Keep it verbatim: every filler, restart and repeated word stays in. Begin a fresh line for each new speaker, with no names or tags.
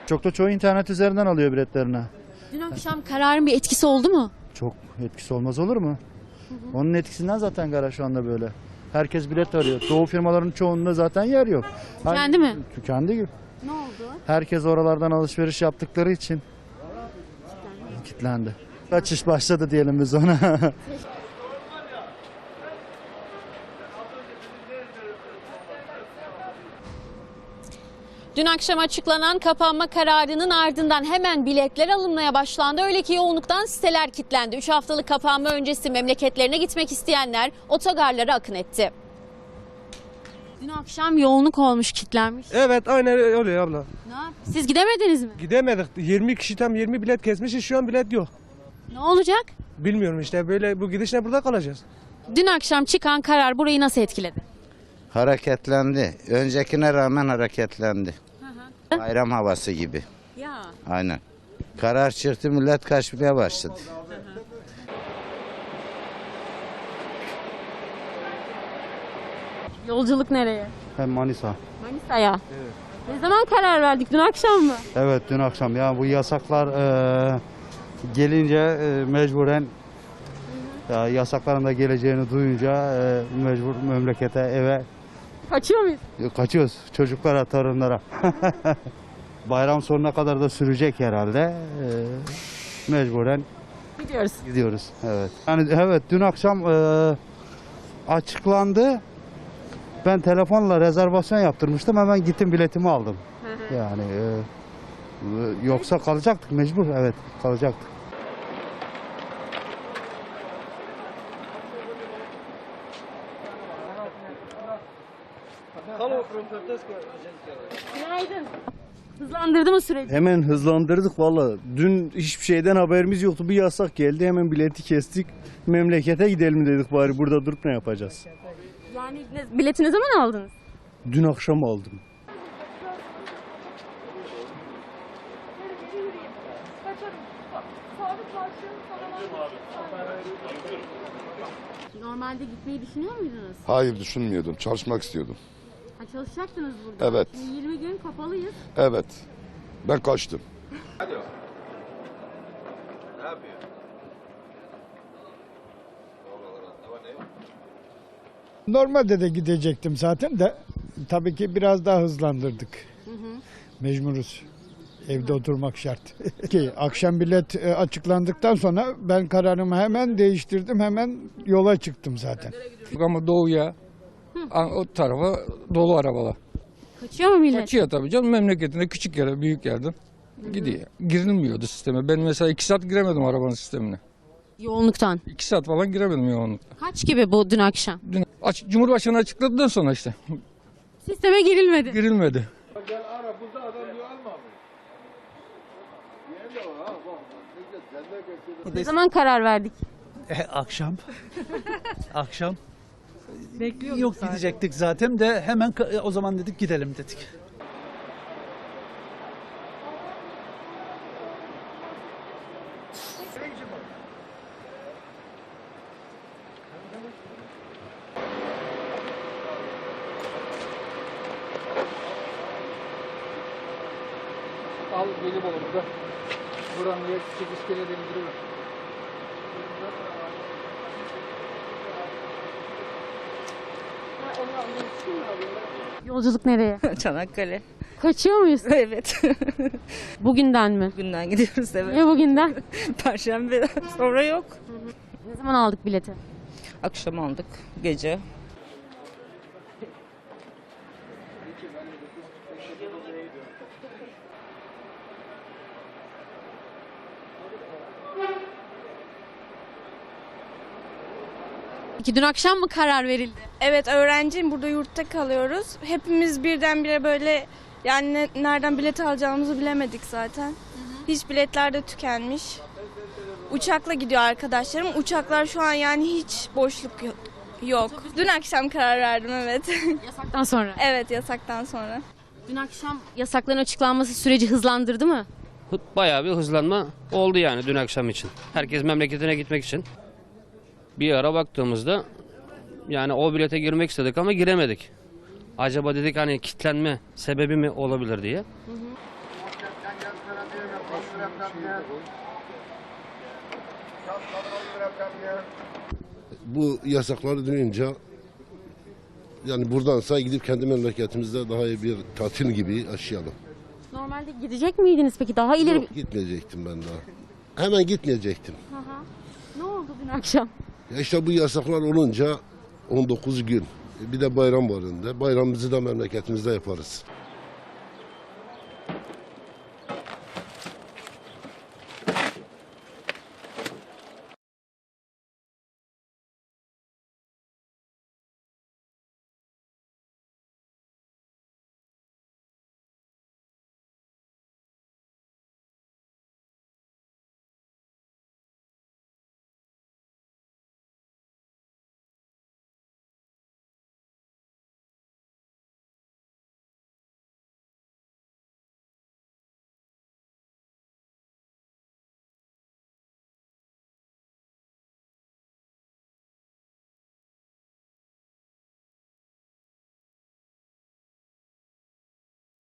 Çok da çoğu internet üzerinden alıyor biletlerini.
Dün akşam kararın bir etkisi oldu mu?
Çok etkisi olmaz olur mu? Hı hı. Onun etkisinden zaten gara şu anda böyle. Herkes bilet arıyor. Doğu firmaların çoğunda zaten yer yok.
Tükendi mi?
Tükendi gibi.
Ne oldu?
Herkes oralardan alışveriş yaptıkları için kilitlendi. Kaçış başladı diyelim biz ona.
Dün akşam açıklanan kapanma kararının ardından hemen biletler alınmaya başlandı. Öyle ki yoğunluktan siteler kilitlendi. üç haftalık kapanma öncesi memleketlerine gitmek isteyenler otogarlara akın etti. Dün akşam yoğunluk olmuş, kilitlenmiş.
Evet, aynen öyle abla.
Ne yap- Siz gidemediniz mi?
Gidemedik. yirmi kişi tam yirmi bilet kesmişiz. Şu an bilet yok.
Ne olacak?
Bilmiyorum işte, böyle bu gidişle burada kalacağız.
Dün akşam çıkan karar burayı nasıl etkiledi?
Hareketlendi. Öncekine rağmen hareketlendi. Bayram havası gibi.
Ya.
Aynen. Karar çıktı, millet kaçmaya başladı.
Yolculuk nereye?
Hem Manisa.
Manisa'ya. Evet. Ne zaman karar verdik? Dün akşam mı?
Evet dün akşam ya bu yasaklar e, gelince e, mecburen ya, yasakların da geleceğini duyunca e, mecbur memlekete eve
Kaçıyor muyuz?
kaçıyoruz çocuklara torunlara. Bayram sonuna kadar da sürecek herhalde. E, mecburen
Gidiyoruz.
gidiyoruz. Evet. Yani evet dün akşam e, açıklandı. Ben telefonla rezervasyon yaptırmıştım. Hemen gittim biletimi aldım. Yani e, yoksa kalacaktık mecbur. Evet kalacaktık.
Günaydın. Hızlandırdı mı süreci?
Hemen hızlandırdık valla. Dün hiçbir şeyden haberimiz yoktu. Bir yasak geldi. Hemen bileti kestik. Memlekete gidelim dedik bari. Burada durup ne yapacağız?
Yani ne, bileti ne zaman aldınız?
Dün akşam aldım.
Normalde gitmeyi düşünüyor muydunuz?
Hayır düşünmüyordum. Çalışmak istiyordum.
Ha, çalışacaktınız burada.
Evet.
Şimdi yirmi gün kapalıyız.
Evet. Ben kaçtım.
Normalde de gidecektim zaten de tabii ki biraz daha hızlandırdık.
Hı hı.
Mecburuz. Evde oturmak şart. Ki akşam bilet e, açıklandıktan sonra ben kararımı hemen değiştirdim. Hemen yola çıktım zaten.
Ama doğuya, o tarafa dolu arabalar.
Kaçıyor mu millet?
Kaçıyor tabii canım, memleketinde küçük yere, büyük yerden gidiyor. Girilmiyordu sisteme. Ben mesela iki saat giremedim arabanın sistemine.
Yoğunluktan.
İki saat falan giremedim yoğunlukta.
Kaç gibi bu dün akşam?
Dün aç, Cumhurbaşkanı açıkladıktan sonra işte
Sisteme girilmedi.
girilmedi.
Ne zaman karar verdik?
E, akşam. akşam.
Bekliyorduk
Yok
zaten.
gidecektik zaten de hemen ka- o zaman dedik gidelim dedik.
Al gelip olur burada. Buranın yer küçük iskele dendiriyor.
Yolculuk nereye?
Çanakkale.
Kaçıyor muyuz?
Evet.
Bugünden mi?
Bugünden gidiyoruz evet.
Ne bugünden?
Perşembe sonra yok.
Ne zaman aldık bileti?
Akşam aldık gece.
Peki dün akşam mı karar verildi?
Evet öğrenciyim, burada yurtta kalıyoruz. Hepimiz birdenbire böyle yani ne- nereden bilet alacağımızı bilemedik zaten. Hı hı. Hiç biletler de tükenmiş. Uçakla gidiyor arkadaşlarım. Uçaklar şu an yani hiç boşluk yok. yok. Dün akşam karar verdim evet.
Yasaktan sonra.
Evet yasaktan sonra.
Dün akşam yasakların açıklanması süreci hızlandırdı mı?
Bayağı bir hızlanma oldu yani dün akşam için. Herkes memleketine gitmek için. Bir ara baktığımızda yani o bilete girmek istedik ama giremedik. Acaba dedik hani kilitlenme sebebi mi olabilir diye. Hı hı.
Bu yasakları duyunca yani buradansa gidip kendi memleketimizde daha iyi bir tatil gibi yaşayalım.
Normalde gidecek miydiniz peki? Daha ileri...
Yok, gitmeyecektim ben daha. Hemen gitmeyecektim.
Aha. Ne oldu dün akşam?
Ya işte bu yasaklar olunca on dokuz gün. Bir de bayram var önünde. Bayramımızı da memleketimizde yaparız.